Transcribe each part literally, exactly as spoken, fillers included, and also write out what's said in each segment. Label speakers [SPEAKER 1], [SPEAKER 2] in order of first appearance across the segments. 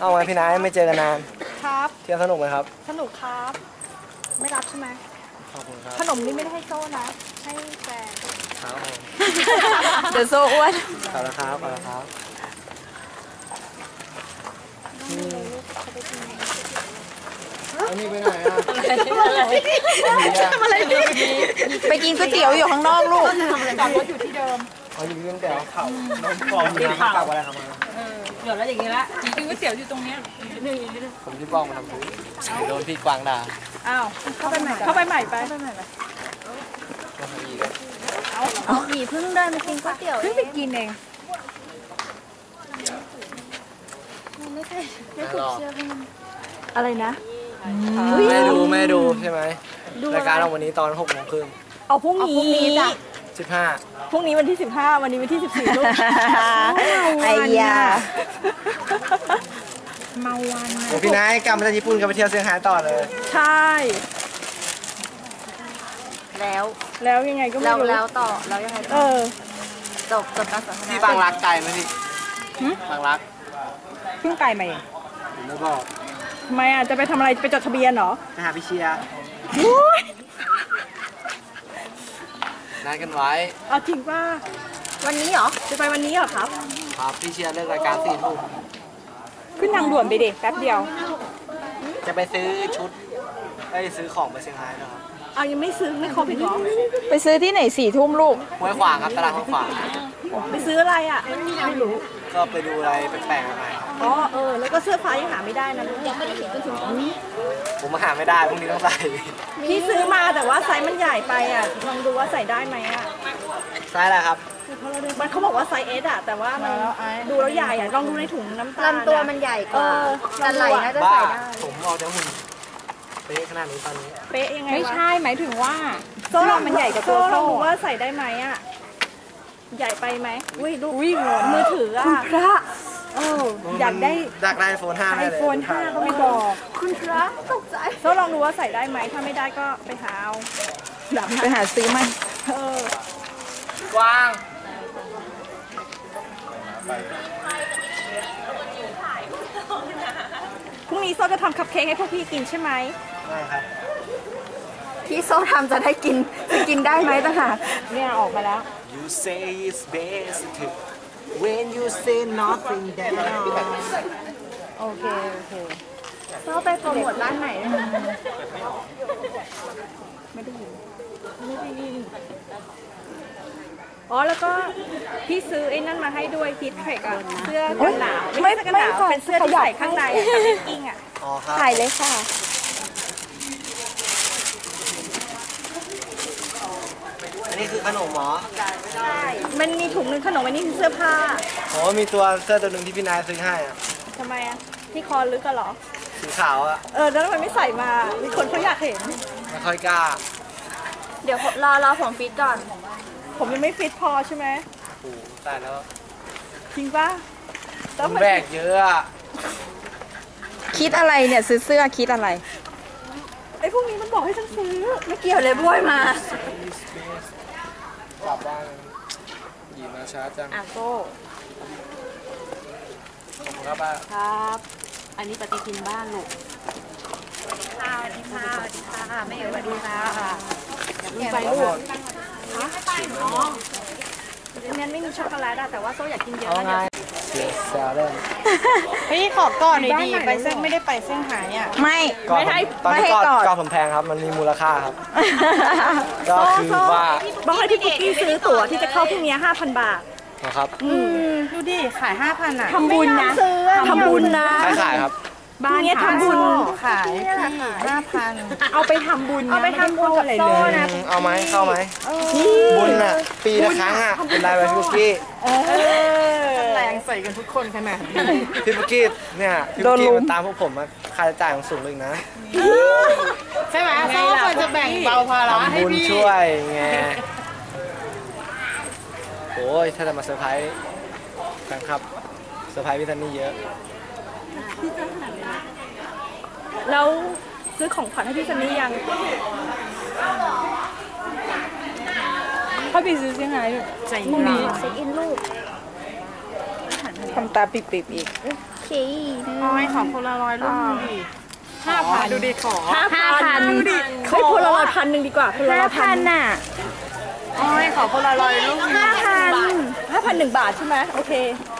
[SPEAKER 1] เอาไงพี่นายไม่เจอกันนาน
[SPEAKER 2] ครับ
[SPEAKER 1] เที่ยวสนุกไหมครับ
[SPEAKER 2] สนุกครับไม่รับใช่ไหม
[SPEAKER 1] ขอบคุณครับ
[SPEAKER 2] ขนมนี่ไม่ได้ให้โซ่นะให้แฟน
[SPEAKER 1] ครับ
[SPEAKER 2] เดี๋ยวโซ่อ้วน
[SPEAKER 1] ขอบคุณครับขอบคุณครับอันนี้ไปไหนอ่ะ
[SPEAKER 2] ทำอะไรไปกินก๋วยเตี๋ยวอยู่ข้างนอกลูกจอดรถอยู่ที่เดิม
[SPEAKER 1] อ๋ออยู่ที่เตี๋ยวเข่าน้องฟองมีน้ำกลับอะไรครับมา
[SPEAKER 2] เดี๋ยวแล้วอย่างนี้ละกินก๋วยเตี๋ยวอยู่ตรงนี้
[SPEAKER 1] ผมที่บ้องมาทำพื้นโดนพี่กวางด่า
[SPEAKER 2] อ้าวเข้าไปใหม่เข้าไปใหม่ไปเข้าไปใหม่ไป
[SPEAKER 3] เอาเอาหนีเพิ่งเดินมากินก๋วยเตี๋ยว
[SPEAKER 2] เพิ่งไปกินเอง
[SPEAKER 3] ไม่ใช่ไม่ถูกเชื่อเพื่อน
[SPEAKER 2] อะไรนะ
[SPEAKER 1] ไม่ดูไม่ดูใช่ไหมรายการเราวันนี้ตอนหกโมงครึ่ง
[SPEAKER 2] เอาพรุ่งนี้จ้ะ
[SPEAKER 1] สิบห้า
[SPEAKER 2] พรุ่งนี้วันที่สิบห้าวันนี้วันที่สิบสี่ลูก
[SPEAKER 3] ไอ้ยา
[SPEAKER 2] เมาวัน
[SPEAKER 1] โอ้พี่นายกลับมาจากญี่ปุ่นกลับไปเที่ยวเซี่ยงไฮ้ต่อเลย
[SPEAKER 2] ใช่
[SPEAKER 3] แล้ว
[SPEAKER 2] แล้วยังไงก็ไม่รู้
[SPEAKER 3] แล้วต่อแล้วยังไง
[SPEAKER 2] เออ
[SPEAKER 3] จบจบการสนทนา
[SPEAKER 1] ที่บางรักไกลไหมพี่บางรัก
[SPEAKER 2] เพิ่งไกลมาเอง
[SPEAKER 1] ผมไม่บอก
[SPEAKER 2] ทำไมอ่ะจะไปทำอะไรไปจดทะเบียนเหรอ
[SPEAKER 1] ไปหาพี่เชียร์นัดกันไว้
[SPEAKER 2] เอาจริงป่ะ
[SPEAKER 3] วันนี้เหรอ
[SPEAKER 2] จะไปวันนี้เหรอครับ
[SPEAKER 1] ครับพี่เชียร์เลิกรายการสี่ทุ่ม
[SPEAKER 2] ขึ้นทางด่วนไปดิแป๊บเดียว
[SPEAKER 1] จะไปซื้อชุดไปซื้อของไปเซี่ยงไฮ้นะครับ
[SPEAKER 2] เอายังไม่ซื้อไม่ครบอีกเหรอ
[SPEAKER 3] ไปซื้อที่ไหนสี่ทุ่มลูก
[SPEAKER 1] ห้วยขวางครับตลาดห้วยขวาง
[SPEAKER 2] ไปซื้ออะไรอ่ะไม่รู้
[SPEAKER 1] ก็ไปดูอะไรแปลกๆอะไร
[SPEAKER 2] อ๋อเออแล้วก็เสื้อผ้ายังหาไม่ได้นะยังไม่ได้เห็นจนถึงตอนนี้
[SPEAKER 1] ผมมาหาไม่ได้พรุ่งนี้ต้องใส่
[SPEAKER 2] พี่ซื้อมาแต่ว่าไซส์มันใหญ่ไปอ่ะลองดูว่าใส่ได้ไหมอ่ะ
[SPEAKER 1] ไซส์อะไรครับ
[SPEAKER 2] มันเขาบอกว่าไซส์เอสอ่ะแต่ว่ามันดูแล้วใหญ่อ่ะลองดูในถุงน้ำตาล
[SPEAKER 3] ลำตัวมันใหญ่กว่าแต่ไหล่น่าจะใส่ได้
[SPEAKER 1] ผมเอาแต่หุ่นเป๊ะขนาดนี้ตอนนี้
[SPEAKER 2] เป๊ะยังไง
[SPEAKER 3] ไม่ใช่หมายถึงว่า
[SPEAKER 2] โซ่มันใหญ่กว่าตัวโซ่ลองดูว่าใส่ได้ไหมอ่ะใหญ่ไปไหมอุ้ยดูมือถืออ่ะพระเอออยากได้
[SPEAKER 1] อยากได้ไอโฟนห้า
[SPEAKER 2] ไอโฟนห้าก็ไม่บอก
[SPEAKER 3] คุณพระตกใจ
[SPEAKER 2] โซ่ลองดูว่าใส่ได้ไหมถ้าไม่ได้ก็ไปหาเอา
[SPEAKER 3] ไปหาซื้อมัน
[SPEAKER 2] เอ
[SPEAKER 1] กว้าง
[SPEAKER 2] พรุ่งนี้โซ่จะทำคัพเค้กให้พวกพี่กินใช่ไหม
[SPEAKER 1] ได้ครับ
[SPEAKER 3] ที่โซ่ทำจะได้กินจะกินได้ไหมต่างหาก
[SPEAKER 2] เนี่ยออกมาแล้ว
[SPEAKER 1] You say it's best to when you say nothing down
[SPEAKER 2] โอเคโอเค
[SPEAKER 3] โซ่ไปโปรโมทร้านไหน
[SPEAKER 2] ไม่ได้ยินไม่ได้ยินอ๋อแล้วก็พี่ซื้อไอ้นั่นมาให้ด้วยฮิตเทคอะเสื้อกันหนาวไม่ใช่กันหนาวเป็นเสื้อที่ใส่ข้างในอะกับกิ้งอะ
[SPEAKER 3] ถ่ายเลยค่ะ
[SPEAKER 1] อันนี้คือขนมหรอ
[SPEAKER 2] ใช่มันมีถุงนึงขนมอันนี้คือเสื้อผ้า
[SPEAKER 1] อ๋อมีตัวเสื้อตัวหนึ่งที่พี่นายซื้อให้อะ
[SPEAKER 2] ทำไมอะที่คอลึกกันหรอ
[SPEAKER 1] สีขาวอะ
[SPEAKER 2] เออแล้วทำไมไม่ใส่มามีคนเขาอยากเห็น
[SPEAKER 1] ไม่ค่อยกล้า
[SPEAKER 3] เดี๋ยวรอรอผมฟิตก่อน
[SPEAKER 2] ผมยังไม่ฟิตพอใช่ไหม
[SPEAKER 1] โอ้ตายแล้ว
[SPEAKER 2] จริงป่ะ
[SPEAKER 1] ต้องแบกเยอะ
[SPEAKER 3] คิดอะไรเนี่ยซื้อเสื้อคิดอะไร
[SPEAKER 2] ไอ้พวกนี้มันบอกให้ฉันซื้อ
[SPEAKER 3] ไม่เกี่ยวเลยบ้วยมาก
[SPEAKER 1] ลับบ้านหยีมาช้าจัง
[SPEAKER 2] อ่ะโซ่
[SPEAKER 1] ขอบคุณครับป้า
[SPEAKER 2] ครับอันนี้ปฏิทินบ้านลูก
[SPEAKER 3] สวัสดีค่ะสวัสดีค่ะสวัสดีค่ะแม่สวัสดีค่ะ
[SPEAKER 2] อย่าไปลูกอ๋อเนี่ยไม่มีช็อกโกแลตอะแต่ว่าโซ่อยากกินเยอะนะ
[SPEAKER 1] เดี๋ยวซาเล่น
[SPEAKER 2] พี่ขอก่อนหน่อยดีไปเส้นไม่ได้ไปเส้นหายอ่ะ
[SPEAKER 3] ไม่
[SPEAKER 1] ไม่ให้ไม่ให้ก่อนก่อนผมแพงครับมันมีมูลค่าครับก็คือว่า
[SPEAKER 2] บอกให้พี่ปุ๊กกี้ซื้อตั๋วที่จะเข้าพรุ่งนี้ห้าพันบาท
[SPEAKER 1] นะครับ
[SPEAKER 2] อืมดูดิขายห้าพันอ่ะ
[SPEAKER 3] ทำบุญนะ
[SPEAKER 2] ทำบุญนะ
[SPEAKER 1] ใครขายครับ
[SPEAKER 2] บ้านนี้ทำบุญขายห้าพันเอาไปทำบุญเอาไปทำบุญกับโซ่นะ
[SPEAKER 1] เอาไหมเข้าไหมบุญอ่ะปีละครั้งอ่ะเป็นไรไปพี่ปุ๊กกี้
[SPEAKER 2] แรงใส่กันทุกคนขนาด
[SPEAKER 1] พี่ปุ๊กกี้เนี่ยพี่ปุ๊กกี้มันตามพวกผมมาค่าใช้จ่ายของสูงเลยนะ
[SPEAKER 2] ใช่ไหมโซ่ควรจะแบ่งเบาภาระให้พี่
[SPEAKER 1] ทำบุญช่วยไงโอ้ยถ้าจะมาเซอร์ไพรส์แฟนคลับเซอร์ไพรส์พี่ซันนี่เยอะ
[SPEAKER 2] แล้วซื้อของขวัญให้พี่ซันนี่ยังเขาไปซื้อเซี่ยงไฮ้พรุ่งนี้
[SPEAKER 3] เช็คอินลูก
[SPEAKER 2] ทำตาปิบๆอีกออยขอโพลารอยด์รูปดิห้าพันดูดิขอ
[SPEAKER 3] ห้าพัน
[SPEAKER 2] ดูดิ
[SPEAKER 3] เฮ้ยโพลารอยด์พันหนึ่งดีกว่าโพลารอยด์พันน่ะ
[SPEAKER 2] ออยขอโพลารอยด์รูป
[SPEAKER 3] ห้าพันห้าพันหนึ่งบาทใช่ไหมโอเค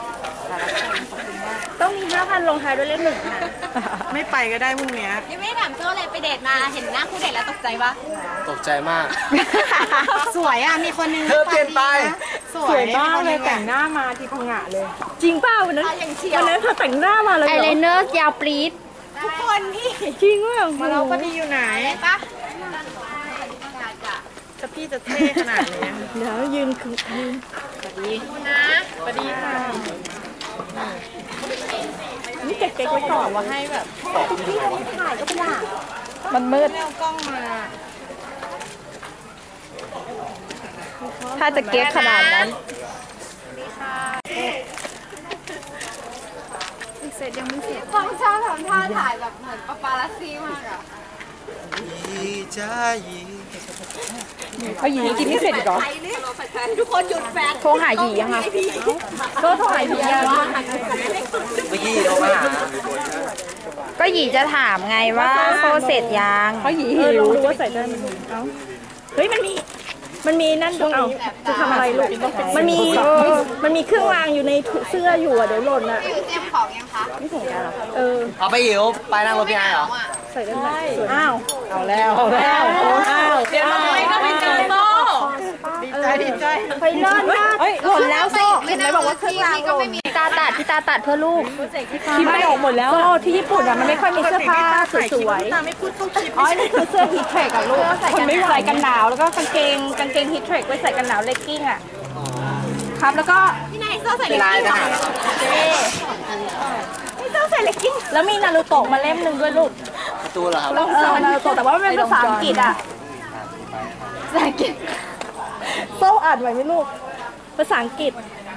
[SPEAKER 3] ต้องมีห้าพันลงท้ายด้วยเลขหนึ่งนะ
[SPEAKER 2] ไม่ไปก็ได้พรุ่งนี้
[SPEAKER 4] ยังไม่ได้ถามโจ้เลยไปเดทมาเห็นหน้าคู่เดทแล้วตกใจปะ
[SPEAKER 1] ตกใจมาก
[SPEAKER 4] สวยอ่ะมีคนนึง
[SPEAKER 1] เธอเปลี่ยนไป
[SPEAKER 2] สวยมากเลยแต่งหน้ามาที่พังงะเลย
[SPEAKER 3] จริงเปล่าวันนั้นวันนั้นเธอแต่งหน้ามาเลย
[SPEAKER 4] ไอ
[SPEAKER 3] เหร
[SPEAKER 4] ไล
[SPEAKER 3] อ
[SPEAKER 4] เนอร์ยาวปรี๊ดทุกคนพี่
[SPEAKER 3] จริงว่า
[SPEAKER 2] มาเราพอดีอยู่ไหน
[SPEAKER 4] ปะ
[SPEAKER 2] จะพี่จะเท่ขนาดนี้
[SPEAKER 3] เดี๋ยวยืนคือยืน
[SPEAKER 4] นะ
[SPEAKER 2] สวัสดีค่ะ
[SPEAKER 3] นี่เก๊กๆไว้ก่อน
[SPEAKER 2] ว่าให้แบบ
[SPEAKER 3] ถ่ายก็ไม่ได้
[SPEAKER 2] มันมืดเอากล้องมา
[SPEAKER 3] ถ้าจะเก๊กขนาดนั้น
[SPEAKER 4] เสร็จยังไม่เสร็จฟังชาทำท่าถ่ายแบบเหมือนปาปาลัสซี่มากอ่ะ
[SPEAKER 3] เอาหยีกินไม่เสร็จอีกเหรอ
[SPEAKER 4] ทุกคนหยุดแฟน
[SPEAKER 3] โทรหาหยียังคะก็โทรหาหยียัง
[SPEAKER 1] เมื่อกี้โทรมาหา
[SPEAKER 3] ก็หยีจะถามไงว่าโซเสร็จยังเพราะหยีหิวดูว่าใส่ได้ไหมเอาเฮ้ยมันมีมันมีนั่นดูเอาจะทำอะไรลูกมันมีมันมีเครื่องรางอยู่ในเสื้ออยู่อ่ะเดี๋ยวหล่นอ่ะ
[SPEAKER 4] เตรียมของยังคะ
[SPEAKER 3] ไม่ถึงกันหรอเออ
[SPEAKER 1] เอาไปหิวไปนั่งรถพี่ไอ้เหรอ
[SPEAKER 3] ใส่ได้ไหมอ้าวเอาแล้ว
[SPEAKER 2] เอาแล้ว
[SPEAKER 3] อ้าว
[SPEAKER 2] เดี๋ยวเราไม่ต้องไปเจอโซ่ดีใจดีใจ
[SPEAKER 3] ไปเลิศมากหล่นแล้วโซ่เห็นไหมบอกว่าเครื่องรางห
[SPEAKER 4] ก็
[SPEAKER 3] ล่
[SPEAKER 4] ไม่
[SPEAKER 3] น
[SPEAKER 4] มี
[SPEAKER 3] ตาตัดที่ตาตัดเพื่อลูกที่ไม่ออกหมดแล้วโซ่ที่ญี่ปุ่นอ่ะมันไม่ค่อยมีเสื้อผ้าสวย
[SPEAKER 2] ตาไม่พูดเข้าคลิป
[SPEAKER 3] ๆอ๋อนี่คือเสื้อฮีทเทรคกับลูกคนไม่ใส่กันหนาวแล้วก็กางเกงกางเกงฮีทเทรคไว้ใส่กันหนาวเลกกิ้งอ่ะครับแล้วก็
[SPEAKER 4] พี่นายโซ่ใส่
[SPEAKER 1] เป็นไรทหาร
[SPEAKER 3] ไม่ต้องใส่เลกกิ้งแล้วมีนารูโตะมาเล่มหนึ่งด้วยลูก
[SPEAKER 1] ประตูเหรอครับ
[SPEAKER 3] เออนารูโตะแต่ว่ามันเป็นภาษาอังกฤษอ่ะภาษาอังกฤษโซ่อ่านไหวไหมลูกภาษาอังกฤษ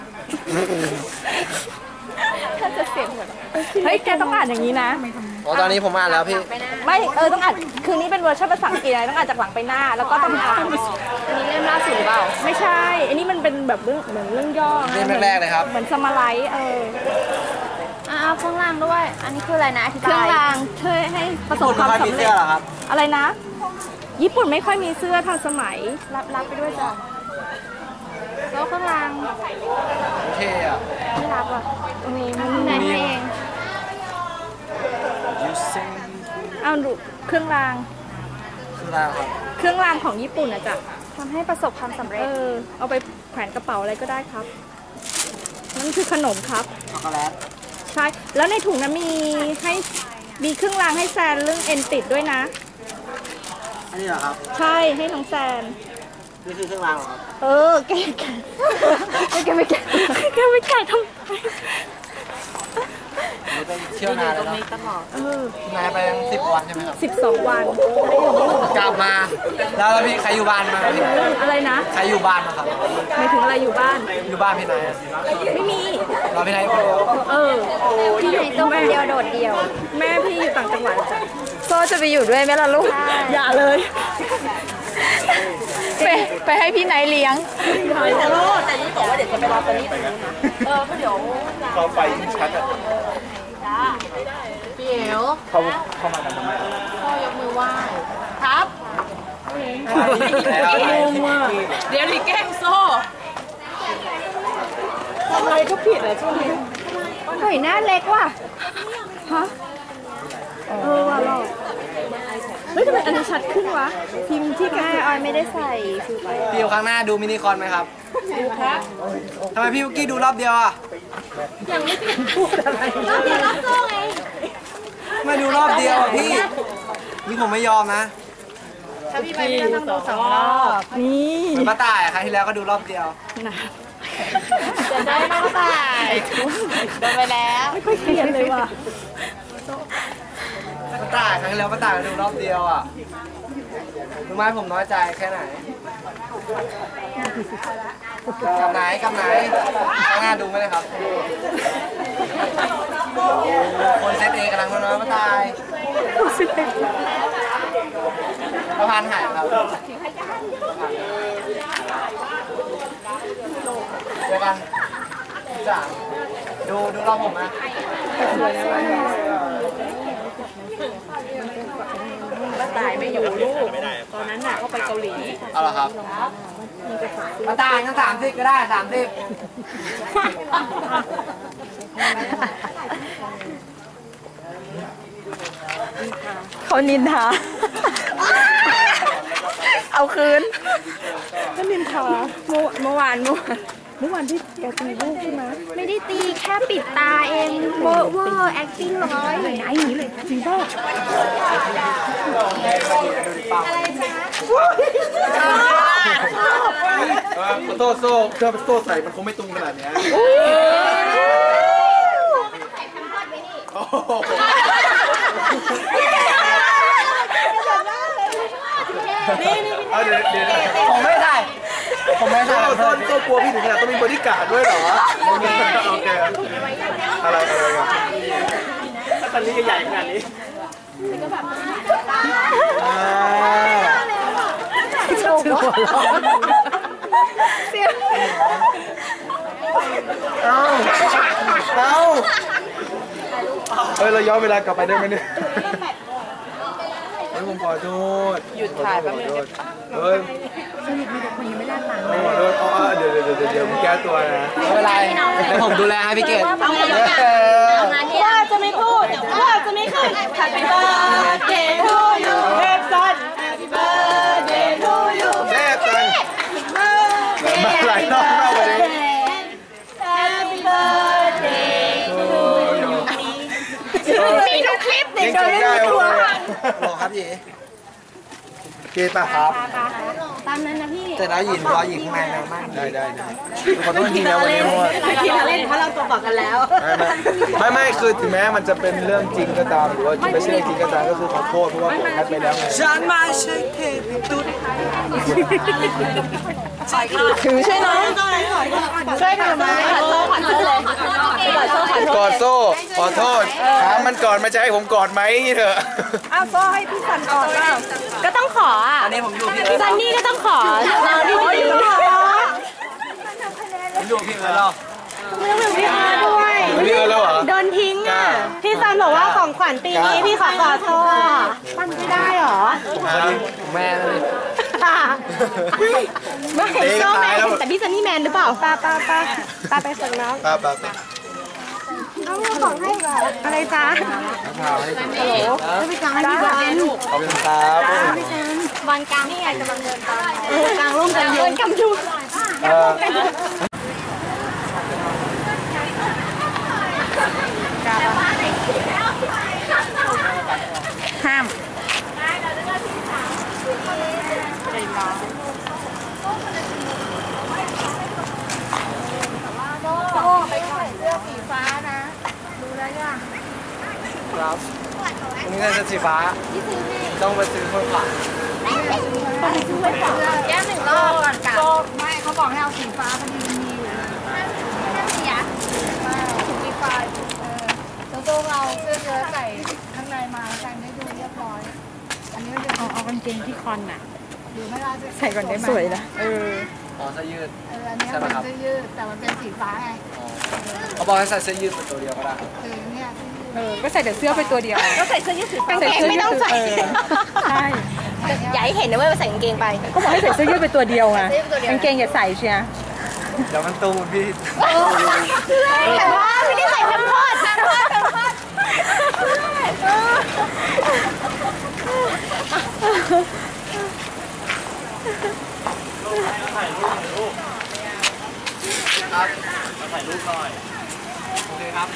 [SPEAKER 3] ถ้าจะเสียงเหมือนเฮ้ยแกต้องอ่านอย่างนี้นะ
[SPEAKER 1] อ๋อตอนนี้ผมอ่านแล้วพี่
[SPEAKER 3] ไม่เออต้องอ่านคืนนี้เป็นเวอร์ชันภาษาอังกฤษนะต้องอ่านจากหลังไปหน้าแล้วก็ต้องอ่านอันนี้เล่มล่าสุดหรือเปล่าไม่ใช่ อันนี้มันเป็นแบบเรื่องเหมือนเรื่องย่อ
[SPEAKER 1] เล่มแรกๆเลยครับ
[SPEAKER 3] เหมือนสมาไลท์เออ
[SPEAKER 4] อ่าเครื่องรางด้วย อันนี้คืออะไรนะอธิ
[SPEAKER 3] เครื่
[SPEAKER 4] บา
[SPEAKER 3] อง
[SPEAKER 4] ย
[SPEAKER 3] รางช่วยให้ประสบ
[SPEAKER 1] คุณ
[SPEAKER 3] ความ
[SPEAKER 1] ไม่มี
[SPEAKER 3] สำ
[SPEAKER 1] เสื้
[SPEAKER 3] เร็
[SPEAKER 1] อ
[SPEAKER 3] จ
[SPEAKER 1] เหรอครับ
[SPEAKER 3] อะไรนะ ญี่ปุ่นไม่ค่อยมีเสื้อทันสมัย
[SPEAKER 4] รับรับไปด้วยจ้ะแล้วเครื่องราง
[SPEAKER 1] โอเคอ่ะ
[SPEAKER 4] ไม่รับอ่ะ
[SPEAKER 3] มี
[SPEAKER 4] พี่นายให้เอง
[SPEAKER 3] เอาดูเครื่องราง
[SPEAKER 1] คืออะไรครับ
[SPEAKER 3] เครื่องรางของญี่ปุ่นอะจ้ะ
[SPEAKER 4] ทำให้ประสบความสำเร็
[SPEAKER 3] เอ
[SPEAKER 4] จ
[SPEAKER 3] อเอาไปแขวนกระเป๋าอะไรก็ได้ครับนั่นคือขนมครับ
[SPEAKER 1] ช็อกโกแลต
[SPEAKER 3] ใช่ แล้วในถุงนั้นมีให้มีเครื่องรางให้แซนเรื่องเอ็นติดด้วยนะ
[SPEAKER 1] อันนี้เหรอครับ
[SPEAKER 3] ใช่ให้น้องแซน
[SPEAKER 1] นี่คือเครื่องรางเหรอครับ
[SPEAKER 3] เออแกแกแกไม่แกแกไม่แกทำไม
[SPEAKER 1] นี่ไปเที่ยวนานแล้วเนอะ
[SPEAKER 3] เออน
[SPEAKER 1] ายไปยังสิบวันใช่ไหมครับ
[SPEAKER 3] สิบสองวัน
[SPEAKER 1] กลับมา แล้วแล้วพี่ใครอยู่บ้านมาครับพี่
[SPEAKER 3] อะไรนะ
[SPEAKER 1] ใครอยู่บ้านมาครับ
[SPEAKER 3] หมายถึงอะไรอยู่บ้าน
[SPEAKER 1] อยู่บ้านพี่นายอะ
[SPEAKER 3] ไม่มี
[SPEAKER 1] เราพี่นายคนเดียว
[SPEAKER 3] เออพี่อยู่
[SPEAKER 4] ตัวคนเดียวโดดเดี่ยว
[SPEAKER 3] แม่พี่อยู่ต่างจังหวัดจ้ะ
[SPEAKER 4] โซ่จะไปอยู่ด้วยไหมล่ะลูก
[SPEAKER 3] อย่าเลย
[SPEAKER 4] ไปไปให้พี่นายเลี้ยง
[SPEAKER 3] แต่ลูกแต่นี่บอกว่าเดี๋ยวจะไปรอตอนนี้ตรงนู้นนะเออก็เดี๋ยว
[SPEAKER 1] เขาไปชัดอ่ะ
[SPEAKER 4] พี่เอ๋ว
[SPEAKER 1] เขาเข้ามาทำไม
[SPEAKER 4] พ่อยกมือไหว้ครับ
[SPEAKER 1] แล้วอะไร
[SPEAKER 2] เดี๋ยวรีแกล้งโซ่
[SPEAKER 3] ทำอะไรก็ผิดอะช่วงนี้
[SPEAKER 4] หน่อยหน้าเล็กว่ะ
[SPEAKER 3] ฮะเออว่ะหรอกเฮ้ยทำไมอันนี้ชัดขึ้นวะพิมพ์ที่แก
[SPEAKER 4] แม่ออยไม่ได้ใส่ฟิลเตอร์
[SPEAKER 1] พี่อยู่ข้างหน้าดูมินิคอนไหมครับ
[SPEAKER 3] ดูครับ
[SPEAKER 1] ทำไมพี่วุกกี้ดูรอบเดียวอ่ะ
[SPEAKER 3] ยังไม่ถึงพูดอะไร
[SPEAKER 4] รอบเดียวรอบโซ่ไง
[SPEAKER 1] ไม่ดูรอบเดียวอ่ะพี่ นี่ผมไม่ยอมนะ
[SPEAKER 4] ถ้าพี่ไปพี่ก็ต้องดูสองรอบ
[SPEAKER 3] นี่
[SPEAKER 1] เหมือนป้าต่ายอะครั้งที่แล้วก็ดูรอบเดียว
[SPEAKER 3] นะ
[SPEAKER 4] จะได้ไม่ต้องใส่โดนไปแล้ว
[SPEAKER 3] ไม่ค่อยเกลียดเลยว่ะ
[SPEAKER 1] ป้าต่ายครั้งที่แล้วป้าต่ายก็ดูรอบเดียวอ่ะรู้ไหมผมน้อยใจแค่ไหนกับไหนกับไหนข้างหน้าดูไหมเลยครับ คนเซตเองกำลังน้อยๆป้าต่ายสะพานหายครับเจอกันจ้าดูดูรอบผมนะ
[SPEAKER 2] ป้าตายไม่อยู่ลูกตอนนั้นน่ะเขาไปเกาหลี
[SPEAKER 1] เอาละครับมาตายกันสามสิบก็ได้สามสิบ
[SPEAKER 3] เขานินทา เอาคืน
[SPEAKER 2] ก็นินทาเมื่อเมื่อวานเมื่อวานเมื่อวานที่แกตีลูกใช่ไหม
[SPEAKER 3] ไม่ได้ตีแค่ปิดตาเองเวอร์เวอร์ acting ร้อยไหนหนีเลยจริงป่ะ
[SPEAKER 5] โซ่โซ่เครื่องโซ่ใส่มันคงไม่ตุ้งขนาดนี้โอ้โหเอาเดี๋ยวเดี๋ยว
[SPEAKER 1] ผมไม่ได้ผมไม่ได้
[SPEAKER 5] โซ่โซ่โซ่กลัวพี่ถึงขนาดต้องมีบอดี้การ์ดด้วยเหรอโอเคโอเคอะไรอะไรกันถ้าตอนนี้ก็ใหญ่ขนาดนี้เอาเอาเฮ้ยเราย้อนเวลากลับไปได้ไหมเนี่ยเฮ้ยผมขอโทษหยุดถ่ายแป๊บนึงเฮ้ยสรุปมีแต่คนยังไม่ได้ตังค์เลยขอโทษอ๋อเดี๋ยวเดี๋ยวเดี๋ยวเดี๋ยวมึงแก้ตัวนะ
[SPEAKER 1] ไม่เป็นไรเดี๋ยวผมดูแลให้พี่เกด
[SPEAKER 2] ว่าจะไม่พูดว่าจะไม่ขึ้น Happy birthday to you เทพสัน Happy birthday to you
[SPEAKER 5] เทพสันมาหลายรอบมากวันนี้
[SPEAKER 2] Happy birthday to you
[SPEAKER 3] มีทุกคลิปเด็ก
[SPEAKER 5] ยังจำได้โอเคหรอครับยีเกป่ะครับ
[SPEAKER 3] ตามนั้นนะพี่
[SPEAKER 1] แต่แล้วหยินรอหยินข้างในนะมาก
[SPEAKER 5] ได้ได้ได้ขอโทษทีนะวันนี้เพราะว่า
[SPEAKER 2] ทีละเล่นเพราะเราตัวบอกกันแล้ว
[SPEAKER 5] ไม่ไม่คือถึงแม้มันจะเป็นเรื่องจริงก็ตามหรือว่าไม่ใช่เรื่องจริงก็ตามก็คือขอโทษเพราะว่าผมแคปไปแล้วไง
[SPEAKER 1] ฉันไม่ใช่เทพตุ๊ด
[SPEAKER 3] ถือใช่ไหมช่วยถือไหม
[SPEAKER 5] กอดโซ่ขอโทษถามมันก่อนมันจะให้ผมกอดไหมเถอะ
[SPEAKER 2] อ้าวก็ให้พี่สันก่อนเปล่า
[SPEAKER 3] ก็ต้องขออ่ะ
[SPEAKER 1] อันนี้ผมอยู่พี่เอิร์ธ
[SPEAKER 3] ซันนี่ก็ต้องขอเราดิ
[SPEAKER 1] ผมอยู่พี่เอิร์ธแล้ว
[SPEAKER 3] ไม่ต้องเป็นพี่อาร์ด้วย
[SPEAKER 5] พี่เอิร์ธแล้วเหรอ
[SPEAKER 3] โดนทิ้งอ่ะ พี่ซันบอกว่าของขวัญปีนี้พี่ขอกอดโซ่มันไม่ได้หรอ
[SPEAKER 1] แม่เลย
[SPEAKER 3] ไม่โซ่แมนแต่พี่ซันนี่แมนหรือเปล่าป้าป้าป้าป้าไปส่งน้อง
[SPEAKER 5] ป้าป้าป้า
[SPEAKER 3] เอาของให้อะไรจ๊ะ
[SPEAKER 5] พาให้ผม
[SPEAKER 3] ฮัลโหลจะไปกลางให้พี่บอล
[SPEAKER 5] ขอบคุณครับ
[SPEAKER 3] บอลกลางนี่ไงกำลังเดินตามกลางร่มกันเดินกำดู
[SPEAKER 5] เออ
[SPEAKER 3] ห้าม
[SPEAKER 1] ครับอันนี้จะสีฟ้าต้องไปซื้อคนขวา
[SPEAKER 3] แก้หนึ่งรอบก่อนกลับ
[SPEAKER 4] ไม่เขาบอกให้เอาสีฟ้าพอดีมีอยู่ถุงสีฟ้าเออโต้เราเสื้อเชิ้ตใส่ข้างในมากันได้ดูเรียบร้อยอันนี้จะ
[SPEAKER 3] เอาเอากางเกงที่คอนน่ะ
[SPEAKER 4] ดูไม่ได้
[SPEAKER 3] ใส่ก่อนได้ไหมสวยนะเออ
[SPEAKER 1] อ๋อเสื้อยืด
[SPEAKER 4] เอออันนี้มันเสื้อยืดแต่มันเป็นสีฟ้าไง
[SPEAKER 1] เขาบอกให้ใส่เสื้อยืดเป็นตัวเดียวก็ได้
[SPEAKER 4] คือเนี่ย
[SPEAKER 3] เออก็ใส่แต่เสื้อไปตัวเดียวก็ใส่เสื้อยืดกางเกงไม่ต้องใส่ใช่อย่าให้เห็นนะว่าใส่กางเกงไปก็บอกให้ใส่เสื้อยืดไปตัวเดียวไงกางเกงอย่าใส่เชีย
[SPEAKER 1] เดี๋ยวมันตูมพี่
[SPEAKER 3] แต่ว่าไม่ได้ใส่แพมเพิร์สแพมเพิร์สแพมเพิร์ส
[SPEAKER 1] ครับถ่ายรูปหน่อยโอเคครับ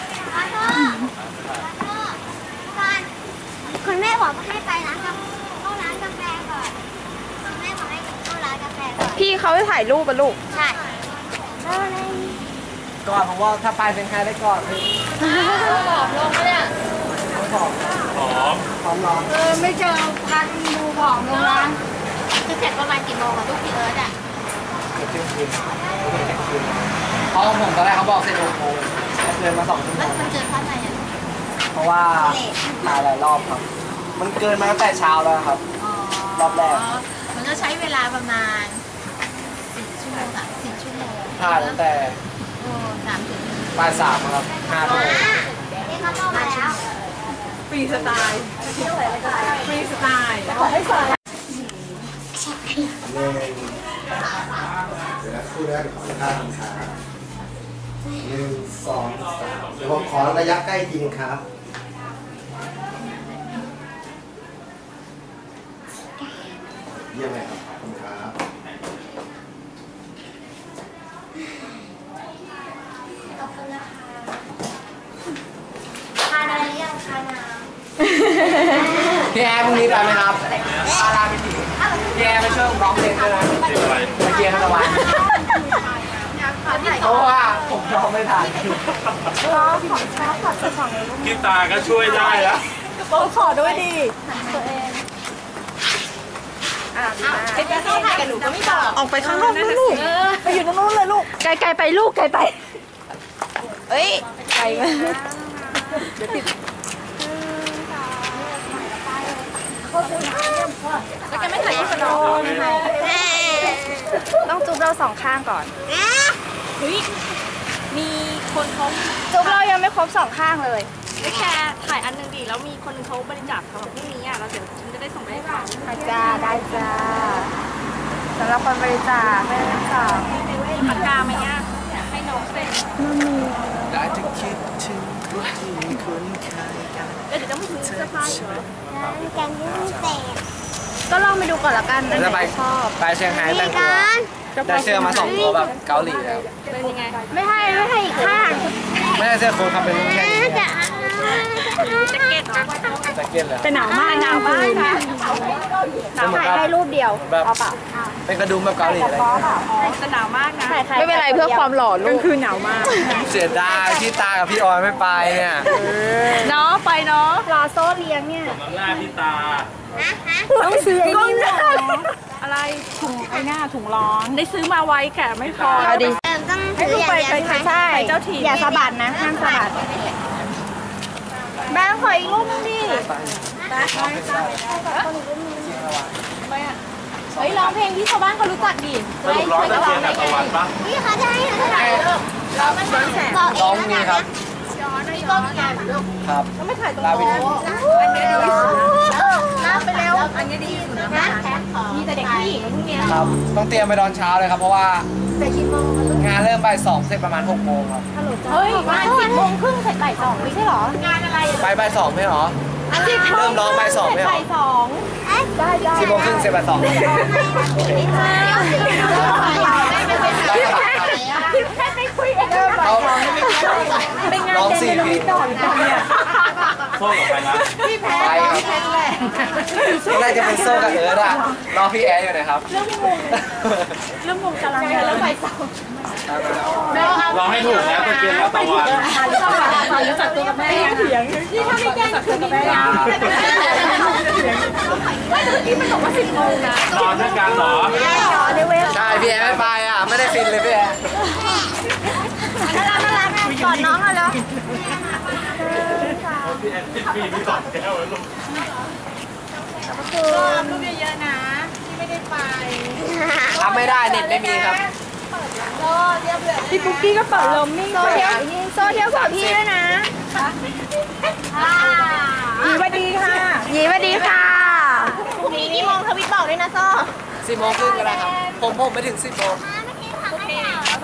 [SPEAKER 6] คุณแม่บอกให้ไปร้านกาแฟเข้าร้านกาแฟก่อนคุณแม่บอกให้เข้าร้านกาแฟก่อน
[SPEAKER 3] พี่เขาจะถ่ายรูปปะลูก
[SPEAKER 6] ใช่แล้วอะไร
[SPEAKER 1] ก่อนผมว่าถ้าไปเป็นใครได้ก่อนพี่
[SPEAKER 4] ผอมลงเนี่ย
[SPEAKER 1] ผอมผอมผอมร้อน
[SPEAKER 4] เออไม่เจอพันดูผอมลงนะ
[SPEAKER 6] จะเสร็จประมาณกี่โมงอะลูกพี่เอิร์ธอะ
[SPEAKER 1] เที่ยงคืนเพราะผมตอนแรกเขาบอกเสร็จหกโมงเดินมาสองชั่วโม
[SPEAKER 6] แล้ว
[SPEAKER 1] ง
[SPEAKER 6] มันเจอเพราะอะไรอะ
[SPEAKER 1] เพราะว่าถ่ายหลายรอบครับ มันเกินมาตั้งแต่เช้าแล้วครับ รอบแรก
[SPEAKER 6] มันก็ใช้เวลาประมาณสี่ชั่วโมงอะสี่ชั่วโมง
[SPEAKER 1] ถ่ายตั้งแต่
[SPEAKER 6] โอ้สามถึง
[SPEAKER 1] บ่ายสามครับห้าทุ่ม
[SPEAKER 6] ที่เขามาเข้ามาแล้ว
[SPEAKER 3] ฟรีสไตล์ฟรีสไตล์
[SPEAKER 5] หนึ่งเดี๋ยวนะคู่แรกขอท่าทำขาหนึ่งสองสามเดี๋ยวผมขอระยะใกล้จริงครับเยี่ยมเลยครับขอบคุณครับ
[SPEAKER 6] ขอบคุณนะคะทานอะไรยังทานน้
[SPEAKER 1] พี่แอร์พรุ่งนี้ไปไหมครับพาราไปถีพี่แอร์ไปช่วยร้องเพลงด้วยนะเมื่อกี้ทั้งวันเพราะว่าผมร้องไม่ทัน
[SPEAKER 7] กีตาร์ก็ช่วยได้แล้ว
[SPEAKER 2] โอ้ขอด้วยดิ
[SPEAKER 3] เป็นการที่ถ่ายกับหนูก็ไม่บอก
[SPEAKER 2] ออกไปข้างนอกนะลูกไปอยู่ตรงนู้นเลยลูก
[SPEAKER 3] ไกลๆไปลูกไกลไปเอ้ยไกล แล้วแกไม่ถ่ายรูปกับน้องต้องจุ๊บเราสองข้างก่อน
[SPEAKER 2] เฮ้ยมีคนเขา
[SPEAKER 3] จุ๊บเรายังไม่ครบสองข้างเลย
[SPEAKER 2] ไม่แค่ถ่ายอันหนึ่งดีแล้วมีคนเขาบริจาคสำหรับพรุ่งนี้อ่ะแล้วเดี๋ยวฉันจะได้ส่งไปให้เขา
[SPEAKER 3] จ้าได้จ้าสำหรับคนบริจาคไม่ต้องสอง
[SPEAKER 2] มีปากกาไหมอ่ะให้น้องเซ็น
[SPEAKER 1] ได้จะคิดถึงคนที่คุ้นเคยกัน
[SPEAKER 2] แล้วเดี๋ยวจะไม่ถึงเสื้อผ้าอีกเหรอ
[SPEAKER 6] ำกันยุ่งเสพ
[SPEAKER 3] ก็ลองไปดูก่อนละกันอันไห
[SPEAKER 1] จะ
[SPEAKER 3] น
[SPEAKER 1] ไป
[SPEAKER 3] ชอบ
[SPEAKER 1] ไปเชียงรายแต่งตัว
[SPEAKER 6] กัน
[SPEAKER 1] ได้เสื้อมาสองตัวแบบเกาหลีแล้ว
[SPEAKER 2] เป็นยังไง
[SPEAKER 3] ไม่ให้ไม่ให้อีกข้าง
[SPEAKER 1] ไม่ใช่เสื้อโค้ทครับเป็นแค่นี้
[SPEAKER 6] จะ
[SPEAKER 2] แจ็คเก็ตนะ
[SPEAKER 1] แจ็คเก็ตเลย
[SPEAKER 2] แต่หนาวมากหนาวมากนะ
[SPEAKER 1] จะเหมือน
[SPEAKER 3] ถ่าย
[SPEAKER 1] กับ
[SPEAKER 3] ให้รูปเดียว
[SPEAKER 1] แบบ
[SPEAKER 3] เอาเปล่า
[SPEAKER 1] เป็นกระดุมแบบเกาหลีอะไร
[SPEAKER 2] แต่หนาวมากนะ
[SPEAKER 3] ไม่เป็นไรเพื่อความหล่อลูกคือหนาวมาก
[SPEAKER 1] เสียดายพี่ตากับพี่ออยไม่ไปเนี่ย
[SPEAKER 2] เนาะไปเนาะ
[SPEAKER 3] รอโซ่เลี้ยงเนี่ย
[SPEAKER 7] น้ำหน้าพี่ตา
[SPEAKER 3] ต้องซื้อไอ้นี่มา
[SPEAKER 2] อะไรถุงไอ้หน้าถุงร้อนได้ซื้อมาไว้แค่ไม่พอ
[SPEAKER 3] เอาดิ
[SPEAKER 6] เออต้อง
[SPEAKER 2] ให้
[SPEAKER 6] ถื
[SPEAKER 2] ลู
[SPEAKER 6] อก อย่าง
[SPEAKER 2] ไป
[SPEAKER 6] เดียว
[SPEAKER 2] ไป
[SPEAKER 6] ใช่ไหม
[SPEAKER 2] ใช่ไปเจ้าถิ่น
[SPEAKER 3] อย่าสะบัดนะห้ามสะบัดแบงค์ขออีกรูปนึงดิ เฮ้ยร้องเพลงที่ชาวบ้านเขารู้จักดิ
[SPEAKER 7] สรุปร้อนตะเกียงกับตะวันปะ
[SPEAKER 6] นี่เขาจะให้เราถ่ายรูปบอกเอง
[SPEAKER 1] น้อง
[SPEAKER 6] แล้ว
[SPEAKER 1] นี่
[SPEAKER 6] กัน
[SPEAKER 1] ครั
[SPEAKER 6] นะ
[SPEAKER 1] บครับแล้วไม่ถ่ายตรงลาวิน
[SPEAKER 6] น้ำไปเร็ว
[SPEAKER 3] อันนี้ดีสุดนะมีแต่เด็กผู้หญิงพวกเนี้ย
[SPEAKER 1] ครับต้องเตรียมไปตอนเช้าเลยครับเพราะว่างานเริ่มบ่ายสองเสร็จประมาณหกโมงครับ
[SPEAKER 3] เฮ้ยงานสิบโมงครึ่งเสร็จบ่ายสองไม่ใช่หรอ งานอะไร
[SPEAKER 1] ไปบ่ายสองไม่หรอเริ่มร้องบ่ายสองไม่หรอ
[SPEAKER 3] บ่ายสอง
[SPEAKER 1] สิบโมงครึ่งเสร็จบ่ายสอง
[SPEAKER 3] พี่แค่ไปคุยกัน
[SPEAKER 1] เขาร้องสี่เพลง
[SPEAKER 7] โซ่กับใครนะ
[SPEAKER 1] ไปครับน่าจะเป็นโซ่กับเอิร์ธอะรอพี่แอร์อยู่นะครับ
[SPEAKER 2] เรื่องวงตารางงานแล้วไปสอง
[SPEAKER 7] ลองให้ถูกนะตะเกียงกับตะวัน
[SPEAKER 2] รู้จักตัวกับแม่เถียงนี่ถ้าไม่แจ้งคือแม่ไม่แต่เมื่อกี้มันบอกว่าสิบโมงนะ
[SPEAKER 7] นอนด้วยกันเหรอ
[SPEAKER 1] ใช่พี่แอร์ไม่ไปอ่ะไม่ได้ฟินเลยพี่แอร์
[SPEAKER 3] น่ารักน่ารักกอดน้องเอาแล้ว
[SPEAKER 7] พี่แอนติดปีนี่สองแก้วแล้วลูก
[SPEAKER 3] ลูกเยอะๆนะที่ไม่ได้ไป
[SPEAKER 1] ทำไม่ได้เน็ตไม่มีครับ
[SPEAKER 2] พี่ปุ๊กกี้ก็เปิดลมนิ่ง
[SPEAKER 3] โซเทียวโซเทียวกับพี่ด้วยนะ
[SPEAKER 2] ดีว่าดีค่ะ
[SPEAKER 3] ยีสวัสดีค่ะพรุ่งนี้กี่โมงทวิตบอกด้วยนะโซ่
[SPEAKER 1] สิบโมงครึ่งก็ได้ครับผมผมไปถึงสิบโมง
[SPEAKER 6] น้ำ